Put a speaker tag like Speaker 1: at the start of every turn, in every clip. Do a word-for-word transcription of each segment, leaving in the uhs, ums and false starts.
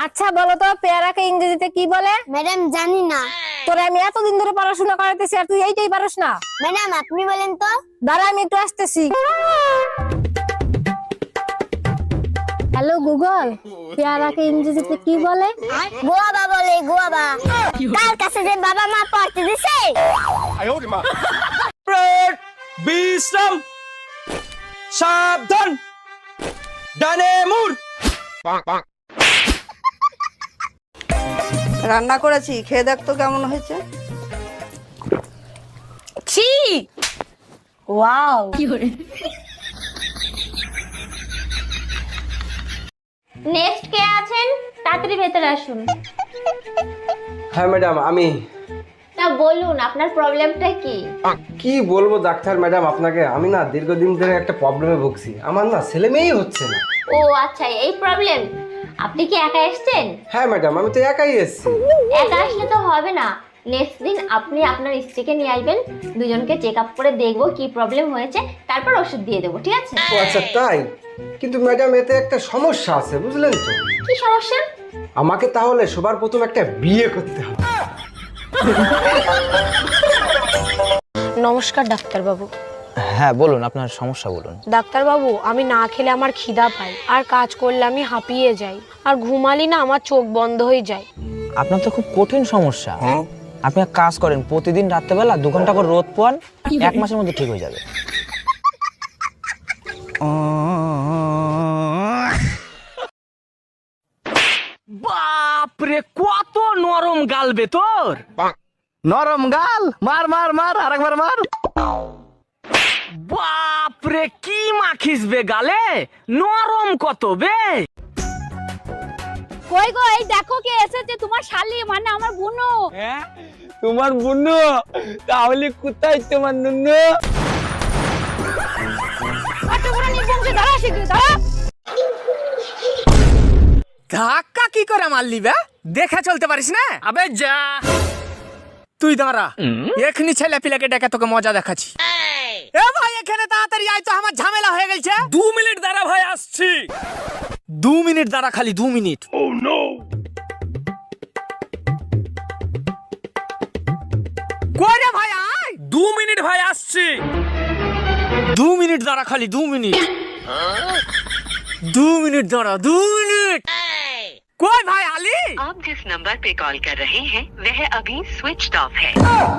Speaker 1: আচ্ছা বলো তো পেয়ারাকে ইংরেজিতে কি বলে?
Speaker 2: ম্যাডাম জানি না।
Speaker 1: তোরে আমি এতদিন ধরে পড়াশোনা করাতেছি আর তুই এইটাই পারস না?
Speaker 2: ম্যাডাম আপনি বলেন তো।
Speaker 1: দাঁড়া আমি একটু আসতেছি। হ্যালো গুগল, পেয়ারাকে ইংরেজিতে কি বলে?
Speaker 2: গোয়াবা বলে, গোয়াবা। তার কাছে যে বাবা মা পড়তে দিছে।
Speaker 3: বিশ্রাম, সাবধান, ডানে মুড়।
Speaker 4: রান্না করেছি, খেয়ে দেখ তো কেমন হয়েছে।
Speaker 1: ছি, ওয়াও।
Speaker 5: নেক্সট কে আছেন? তাড়াতাড়ি ভেতরে আসুন।
Speaker 3: হ্যাঁ ম্যাডাম আমি।
Speaker 5: তা বলুন আপনার প্রবলেমটা কি?
Speaker 3: কি বলবো ডাক্তার ম্যাডাম আপনাকে, আমি না দীর্ঘদিন ধরে একটা প্রবলেমে ভুগছি। আমার না ছেলে মেয়েই হচ্ছে না।
Speaker 5: ও আচ্ছা এই প্রবলেম। আপনি কি একা এসেছেন?
Speaker 3: হ্যাঁ ম্যাডাম আমি তো একাই এসেছি।
Speaker 5: একা আসলে তো হবে না। নেক্সট দিন আপনি আপনার স্ত্রীকে নিয়ে আসবেন, দুজনকে চেক আপ করে দেখবো কি প্রবলেম হয়েছে, তারপর ওষুধ দিয়ে দেবো, ঠিক আছে?
Speaker 3: ও আচ্ছা তাই? কিন্তু ম্যাডাম এতে একটা সমস্যা আছে বুঝলেন তো।
Speaker 5: কি সমস্যা?
Speaker 3: আমাকে তাহলে সবার প্রথম একটা বিয়ে করতে হবে।
Speaker 1: নমস্কার ডাক্তার বাবু।
Speaker 6: হ্যাঁ বলুন, আপনার সমস্যা বলুন।
Speaker 1: ডাক্তার বাবু আমি না খেলে আমার খিদা পায়, আর কাজ করলে আমি হাঁপিয়ে যাই, আর ঘুমালি না আমার চোখ বন্ধ হয়ে যায়।
Speaker 6: আপনার তো খুব কঠিন সমস্যা। আপনি এক কাজ করেন, প্রতিদিন রাত্রেবেলা দু ঘন্টা করে রোদ পোয়ান, এক মাসের মধ্যে ঠিক হয়ে যাবে।
Speaker 7: বাপরে কত নরম গাল বে তোর। নরম গাল, মার মার মার আরেকবার মার। বাপরে কি মাখিস বে গালে, নরম কত বে।
Speaker 1: কই গো, এই দেখো কে এসেছে, তোমার শালি মানে আমার বুনু।
Speaker 7: হ্যাঁ তোমার বুনু? তাহলে কোথায় তোমার নুনু? ধাক্কা কি করে মারলি বে? দেখে চলতে পারিস না? আবে যা তুই দাঁড়া, এখনি ছেলে পিলাকে ডেকে তোকে মজা দেখাচ্ছি। এ ভাই এখানে তাড়াতাড়ি আয় তো, আমার ঝামেলা হয়ে গেছে। দু মিনিট দাঁড়া ভাই, আসছি। দু মিনিট দাঁড়া, খালি দু মিনিট। ও নো, কই রে ভাই আয়। দু মিনিট ভাই আসছি। দু মিনিট দাঁড়া, খালি দু মিনিট। দু মিনিট দাঁড়া, দু মিনিট। কই ভাই আলী?
Speaker 8: आप जिस नंबर पे कॉल कर रहे हैं वह अभी स्विच ऑफ है।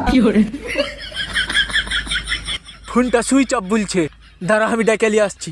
Speaker 7: ফোনটা সুইচ অফ বলছে, দাঁড়া আমি ডেকে নিয়ে আসছি।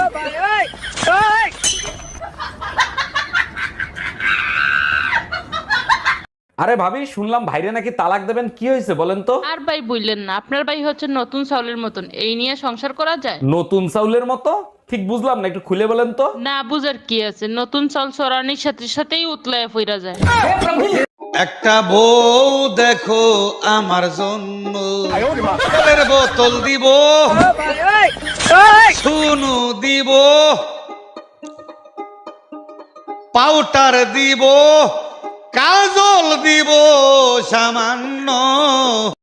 Speaker 9: আরে ভাবি শুনলাম ভাইরে নাকি তালাক দেবেন, কি হয়েছে বলেন তো?
Speaker 10: আর ভাই বললেন না, আপনার ভাই হচ্ছে নতুন চাউলের মতন, এই নিয়ে সংসার করা যায়?
Speaker 9: নতুন চাউলের মতো? ঠিক বুঝলাম না, একটু খুলে বলেন তো।
Speaker 10: না বুঝার কি আছে, নতুন চাল চড়ানির সাথে সাথেই উতলায় ফিরা যায়।
Speaker 11: একটা বউ দেখো আমার জন্য, জলের বোতল দিব, শুনু দিব, পাউডার দিব, কাজল দিব সামান্য।